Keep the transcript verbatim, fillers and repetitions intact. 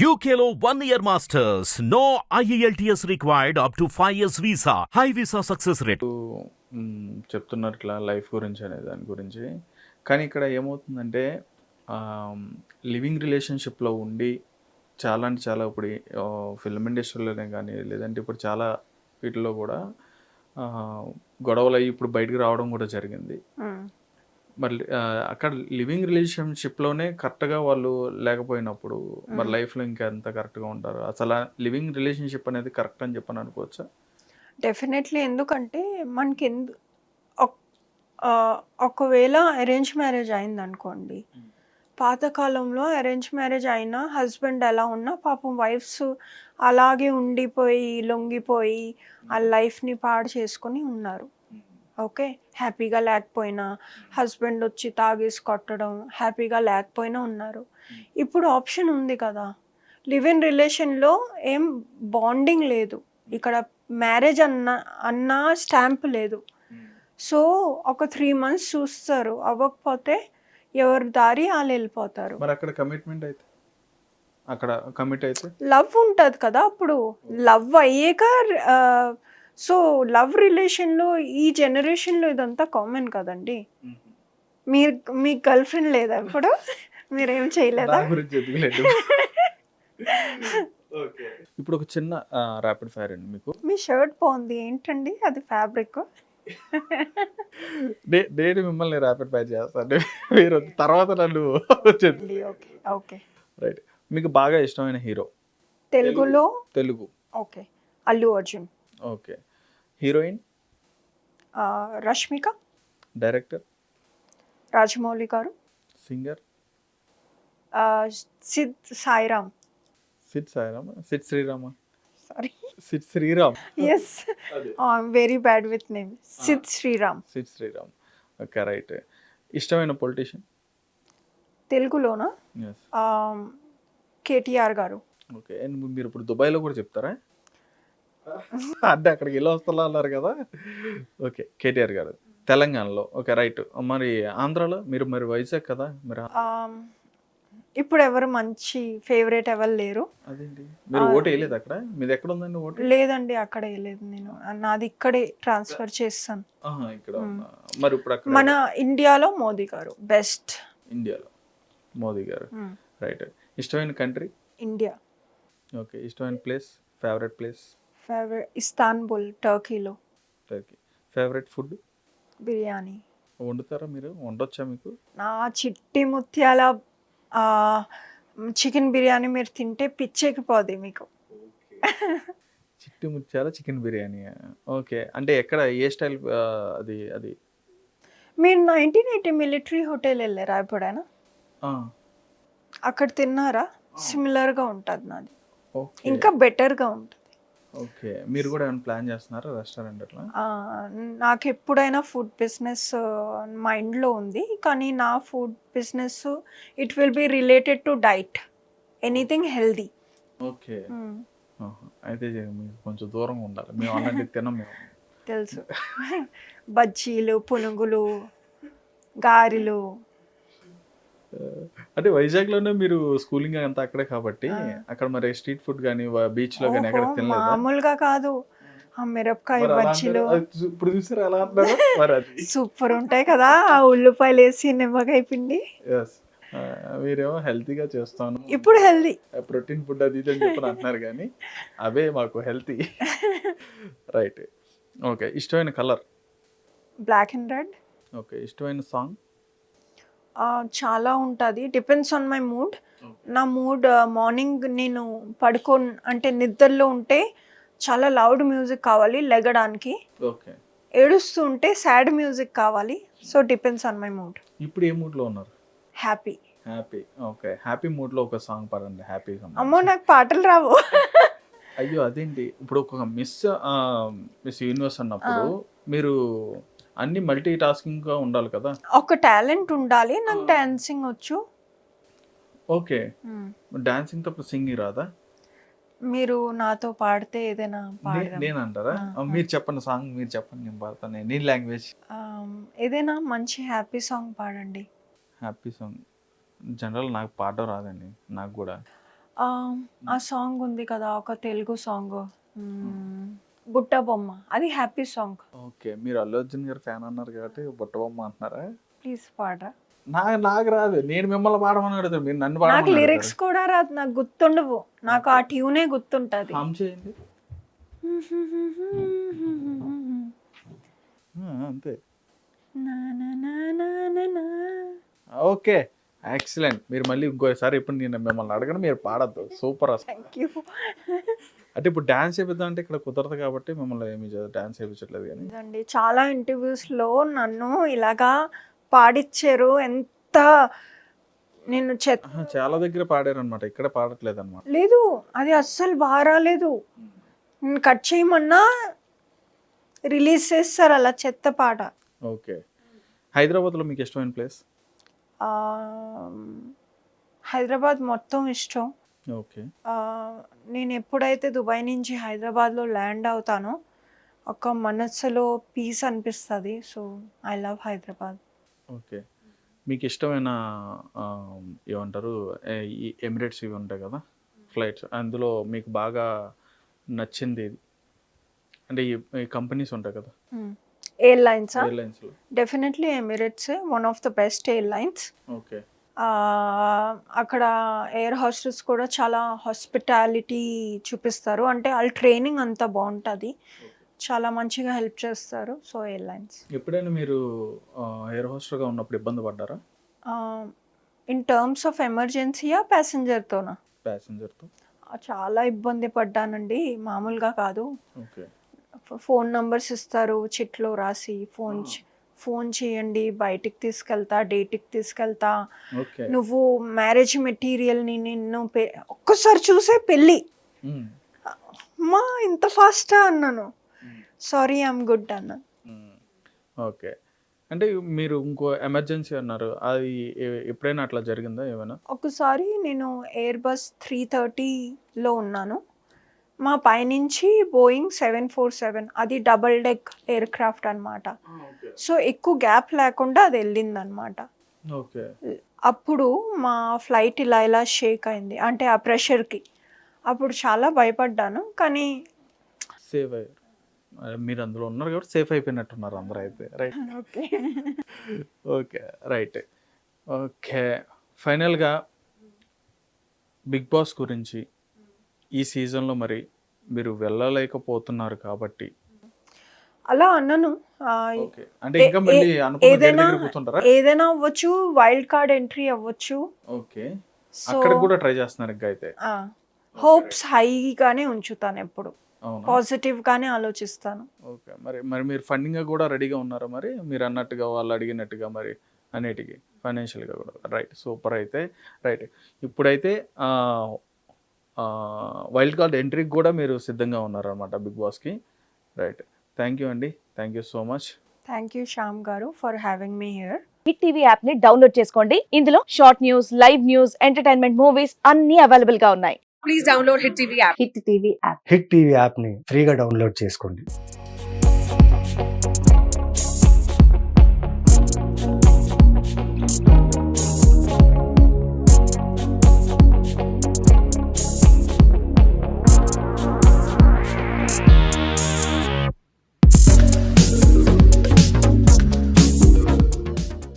U K లో one year masters. No I E L T S required up to five years visa. High visa success rate. మ్, చెప్తున్నారు ఇట్లా life గురించి అనే దాని గురించి. కానీ ఇక్కడ ఏమవుతుందంటే లివింగ్ రిలేషన్షిప్లో ఉండి చాలా అంటే చాలా ఇప్పుడు ఫిల్మ్ ఇండస్ట్రీలోనే కానీ లేదంటే ఇప్పుడు చాలా వీటిలో కూడా ఆ, గొడవలు అయ్యి ఇప్పుడు బయటకు రావడం కూడా జరిగింది. మరి ఆ, అక్కడ లివింగ్ రిలేషన్షిప్లోనే కరెక్ట్గా వాళ్ళు లేకపోయినప్పుడు మరి లైఫ్లో ఇంకా ఎంత కరెక్ట్గా ఉంటారు? అసలు లివింగ్ రిలేషన్షిప్ అనేది కరెక్ట్ అని చెప్పని అనుకోవచ్చా? డెఫినెట్లీ. ఎందుకంటే మనకి ఎందు ఒక్- ఆ, ఒకవేళ అరేంజ్ మ్యారేజ్ అయిందనుకోండి, పాతకాలంలో అరేంజ్ మ్యారేజ్ అయినా హస్బెండ్ ఎలా ఉన్నా పాపం వైఫ్స్ అలాగే ఉండిపోయి లొంగిపోయి ఆ లైఫ్ని పాడు చేసుకొని ఉన్నారు. ఓకే, హ్యాపీగా లేకపోయినా హస్బెండ్ వచ్చి తాగేసి కొట్టడం, హ్యాపీగా లేకపోయినా ఉన్నారు. ఇప్పుడు ఆప్షన్ ఉంది కదా, లివ్ ఇన్ రిలేషన్లో ఏం బాండింగ్ లేదు, ఇక్కడ మ్యారేజ్ అన్న అన్న స్టాంప్ లేదు. సో ఒక త్రీ మంత్స్ చూస్తారు, అవ్వకపోతే ఎవరి దారి వాళ్ళు వెళ్ళిపోతారు. మరి అక్కడ కమిట్మెంట్ అయితే అక్కడ కమిట్ అయితే లవ్ ఉంటుంది కదా, అప్పుడు లవ్ అయ్యాక సో లవ్ రిలేషన్లో ఈ జనరేషన్లో ఇదంతా కామన్ కదండి. మీరు మీ గర్ల్ ఫ్రెండ్ లేదా ఇప్పుడు? మీరేం చేయలేదా? దాని గురించి ఎదుగులేదు. ఇప్పుడు ఒక చిన్న ర్యాపిడ్ ఫైర్ అండి మీకు. మీ షర్ట్ బాగుంది, ఏంటండి అది ఫ్యాబ్రిక్? నే- నేను మిమ్మల్ని ర్యాపిడ్ ఫైర్ చేస్తాను, మీరు తర్వాత నన్ను ఓకే ఓకే. రైట్. మీకు బాగా ఇష్టమైన హీరో తెలుగులో తెలుగు? Okay, Allu Arjun. Okay. Heroine? ఆ, రష్మిక. డైరెక్టర్? రాజమౌళి గారు. సింగర్? ఆ, Sid Sairam. Sid Sairam? Sid Sriram? Sorry, Sid Sriram. Yes, I'm very bad with name. Sid Sriram. Sid Sriram. Okay, right. ఇష్టమైన పొలిటీషియన్? తెలుగులోనా? Yes. KTR garu. Okay. And మీరు ఇప్పుడు దుబాయ్లో కూడా చెప్తారా? అంటే అక్కడికి వెళ్ళి వస్తా అన్నారు కదా. ఓకే, కేటీఆర్ గారు తెలంగాణలో. Okay, right. మరి ఆంధ్రాలో? మీరు మరి వైజాగ్ కదా మీరు. Um, ఇప్పుడు ఎవరు మంచి ఫేవరెట్ ఎవరు లేరు. అదేంటి మీరు ఓటు వేయలేదు అక్కడ? మీది ఎక్కడ ఉందండి ఓటు? లేదండి, అక్కడ వేయలేదు నేను, నాది ఇక్కడే ట్రాన్స్ఫర్ చేస్తాను. ఆహా, ఇక్కడ ఉన్నా. మరి ఇప్పుడు అక్కడ మన ఇండియాలో మోదీ గారు బెస్ట్. ఇండియాలో మోదీ గారు. రైట్. ఇష్టమైన కంట్రీ? ఇండియా. ఓకే. ఇష్టమైన place? Favourite place? Favourite Istanbul, టర్కీలో. టర్కీ. Favourite food? బిర్యానీ. వండుతారా మీరు? వండొచ్చా మీకు? నా చిట్టి ముత్యాల చికెన్ బిర్యానీ మీరు తింటే పిచ్చెక్కిపోద్ది మీకు. చిట్టి ముత్యాల చికెన్ బిర్యానీ. ఓకే. అంటే ఎక్కడ, ఏ స్టైల్ అది? అది మీరు నైన్టీన్ ఎయిటీ మిలిటరీ హోటల్ వెళ్ళారా ఎప్పుడైనా? ఆ, అక్కడ తిన్నారా? సిమిలర్గా ఉంటుంది నాది, ఓకే. ఇంకా బెటర్గా ఉంటుంది. ఓకే. మీరు కూడా ఏమైనా ప్లాన్ చేస్తున్నారా రెస్టారెంట్ అట్లా? ఆ, నాకు ఎప్పుడైనా ఫుడ్ బిజినెస్ మైండ్లో ఉంది, కానీ నా food business it will be related to diet, anything healthy. Okay. ఆహా. అయితే మీకు కొంచెం దూరంగా ఉండాలి, మేము అలాంటివి తినం మేము. తెలుసు. బజ్జీలు, పునుగులు, గారెలు. అంటే వైజాగ్లోనే మీరు స్కూలింగ్ అంతా అక్కడే కాబట్టి అక్కడ మరి స్ట్రీట్ ఫుడ్ కానీ బీచ్ లో కానీ ఎక్కడ ఓహో, తినలేదా? మామూలుగా కాదు, ఆ మిరపకాయ మరి అలా బజ్జీలు అంటారు. అది చూ- ఇప్పుడు చూసారు ఎలా అంటారు మరి అది. సూపర్ ఉంటాయి కదా, ఆ ఉల్లిపాయలు వేసి నిమ్మకాయ పిండి. ఎస్. మీరేమో హెల్తీగా చేస్తాను, ఇప్పుడు హెల్దీ. ప్రోటీన్ ఫుడ్ అది ఇది అని చెప్పని అంటున్నారు, కానీ అవే మాకు హెల్తీ. రైట్. ఓకే. ఇష్టమైన colour? Black and red. Okay. ఇష్టమైన సాంగ్? చాలా ఉంటుంది, డిపెండ్స్ ఆన్ మై మూడ్. నా మూడ్ మార్నింగ్ నేను పడుకో అంటే నిద్రలో ఉంటే చాలా లౌడ్ మ్యూజిక్ కావాలి లెగడానికి, ఓకే. ఏడుస్తూ ఉంటే సాడ్ మ్యూజిక్ కావాలి. So depends on my mood. ఇప్పుడు ఏ మూడ్ లో ఉన్నారు? Happy. Happy. Okay. Happy mood లో ఒక సాంగ్ పాడండి, హ్యాపీ. అమ్మో, నాకు పాటలు రావు. అయ్యో, అదేంటి? ఇప్పుడు ఒక మిస్ మిస్ యూనివర్స్ అన్నప్పుడు మీరు అన్ని మల్టీ టాస్కింగ్ గా ఉండాలి కదా. ఒక టాలెంట్ ఉండాలి, నాకు డాన్సింగ్ వచ్చు. ఓకే. డాన్సింగ్ తప్ప సింగింగ్ రాదా? మీరు నాతో పాడితే ఏదైనా నే- పాడదాం. నేను అంటారా? మీరు చెప్పండి సాంగ్, మీరు చెప్పండి, నేను పాడతాను. నీ లాంగ్వేజ్. ఏదైనా మంచి హ్యాపీ సాంగ్ పాడండి. హ్యాపీ సాంగ్ జనరల్ నాకు పాడడం రాదండి, నాకు కూడా. ఆ, ఆ సాంగ్ ఉంది కదా ఒక తెలుగు సాంగ్, బుట్ట బొమ్మ, అది హ్యాపీ సాంగ్. ఓకే, మీరు అల్లు అర్జున్ గారు ఫ్యాన్ అన్నారు కాబట్టి బుట్టబొమ్మ అంటున్నారా? ప్లీజ్ పాడరా. నాకు నాకు రాదు, నేను మిమ్మల్ని పాడమని అడుగుతాను, మీరు నన్ను నాకు పాడమని లిరిక్స్ అడుగుతారు. కూడా రాదు, నాకు గుర్తుండవు, నాకు ఆ ట్యూనే గుర్తుంటది. హమ్ చేయండి. ఆ, అంతే. నా నా నా నా నా నా. Okay, excellent. మీరు మళ్ళీ ఇంకోసారి ఇప్పుడు నేను మిమ్మల్ని అడగను, మీరు పాడద్దు. సూపర్ అసలు. Thank you. అంటే ఇప్పుడు డాన్స్ చేపిద్దాం అంటే ఇక్కడ కుదరదు కాబట్టి మిమ్మల్ని ఏమి డాన్స్ చేయించట్లేదు కానీ. అండి చాలా ఇంటర్వ్యూస్ లో నన్ను ఇలాగా పాడిచ్చారు, ఎంత నేను చెత్త. ఆహా, చాలా దగ్గర పాడారు అనమాట, ఇక్కడ పాడట్లేదు అనమాట. లేదు, అది అస్సలు బాగా రాలేదు. నేను కట్ చేయమన్నా రిలీజ్ చేస్తారు అలా చెత్త పాట. ఓకే, హైదరాబాద్లో మీకు ఇష్టమైన ప్లేస్? ఆ, హైదరాబాద్ మొత్తం ఇష్టం. ఓకే. ఆ, నేను ఎప్పుడైతే దుబాయ్ నుంచి హైదరాబాద్లో ల్యాండ్ అవుతానో ఒక మనసులో పీస్ అనిపిస్తుంది. So I love Hyderabad. Okay, మీకు ఇష్టమైన ఆ, ఏమంటారు ఏ- ఈ ఎమిరేట్స్ ఇవి ఉంటాయి కదా ఫ్లైట్స్, అందులో మీకు బాగా నచ్చింది ఏది? అంటే ఈ ఈ కంపెనీస్ ఉంటాయి కదా ఎయిర్లైన్స్, ఎయిర్లైన్స్లో. Definitely Emirates one of the best airlines. Okay. అక్కడ ఎయిర్ హోస్టెస్ కూడా చాలా హాస్పిటాలిటీ చూపిస్తారు, అంటే వాళ్ళ ట్రైనింగ్ అంతా బాగుంటుంది, చాలా మంచిగా హెల్ప్ చేస్తారు. So airlines. ఎప్పుడైనా మీరు ఎయిర్ హోస్టర్గా ఉన్నప్పుడు ఇబ్బంది పడ్డారా ఇన్ టర్మ్స్ ఆఫ్ ఎమర్జెన్సీయా ప్యాసింజర్తోనా? ప్యాసింజర్తో? చాలా ఇబ్బంది పడ్డానండి, మామూలుగా కాదు. ఓకే. ఫోన్ నంబర్స్ ఇస్తారు చిట్లో రాసి, ఫోన్ చే- ఫోన్ చేయండి, బయటికి తీసుకెళ్తా, డేట్కి తీసుకెళ్తా, ఓకే. నువ్వు మ్యారేజ్ మెటీరియల్ని నిన్ను పె ఒక్కసారి చూసే పెళ్ళి. మ్మ్. అమ్మా ఇంత ఫాస్టా అన్నాను. సారీ ఐఎమ్ గుడ్ అన్నాను. మ్మ్. ఓకే, అంటే మీరు ఇంకో ఎమర్జెన్సీ అన్నారు, అది ఎ- ఎప్పుడైనా అట్లా జరిగిందా ఏమైనా? ఒకసారి నేను ఎయిర్ బస్ త్రీ థర్టీలో ఉన్నాను, మా పైనుంచి బోయింగ్ సెవెన్ ఫోర్ సెవెన్, అది డబల్ డెక్ ఎయిర్ క్రాఫ్ట్ అనమాట. సో ఎక్కువ గ్యాప్ లేకుండా అది వెళ్ళింది అనమాట. ఓకే. అప్పుడు మా ఫ్లైట్ ఇలా ఇలా షేక్ అయింది, అంటే ఆ ప్రెషర్కి. అప్పుడు చాలా భయపడ్డాను, కానీ సేఫ్ అయ్యారు. అదే మీరు అందులో ఉన్నారు కాబట్టి సేఫ్ అయిపోయినట్టున్నారు అందరూ అయితే. Right. Okay. Okay, right. Okay, ఫైనల్గా బిగ్ బాస్ గురించి ఈ సీజన్లో మరి మీరు వెళ్ళలేకపోతున్నారు కాబట్టి అలా అన్నను. ఆ, ఓకే, అంటే ఇంకా మళ్ళీ అనుకున్న గేట్ ఏదైనా దగ్గర కూర్చుంటారా? ఏదైనా అవ్వచ్చు, వైల్డ్ కార్డ్ ఎంట్రీ అవ్వచ్చు. ఓకే, సో అక్కడ కూడా ట్రై చేస్తున్నారు ఇంకా అయితే. హోప్స్ హైగానే ఉంచుతాను, ఎప్పుడు అవునా? పాజిటివ్ గానే ఆలోచిస్తాను. ఓకే, మరి మరి మీరు ఫండింగ్ కూడా రెడీగా ఉన్నారా మరి, మీరు అన్నట్టుగా వాళ్ళు అడిగినట్టుగా మరి అన్నిటికీ ఫైనాన్షియల్గా కూడా? Right, super. అయితే రైట్, ఇప్పుడైతే వైల్డ్ కార్డ్ ఎంట్రీకి కూడా మీరు సిద్ధంగా ఉన్నారనమాట బిగ్ బాస్కి. రైట్, థ్యాంక్ యూ అండి, thank you so much. Thank you Shyam గారు for having me here. Hit TV app ని డౌన్లోడ్ చేసుకోండి. ఇందులో short news, live news, entertainment movies అన్ని అవైలబుల్ గా ఉన్నాయి. Please download Hit TV app. Hit TV app. Hit TV యాప్ని ఫ్రీగా డౌన్లోడ్ చేసుకోండి.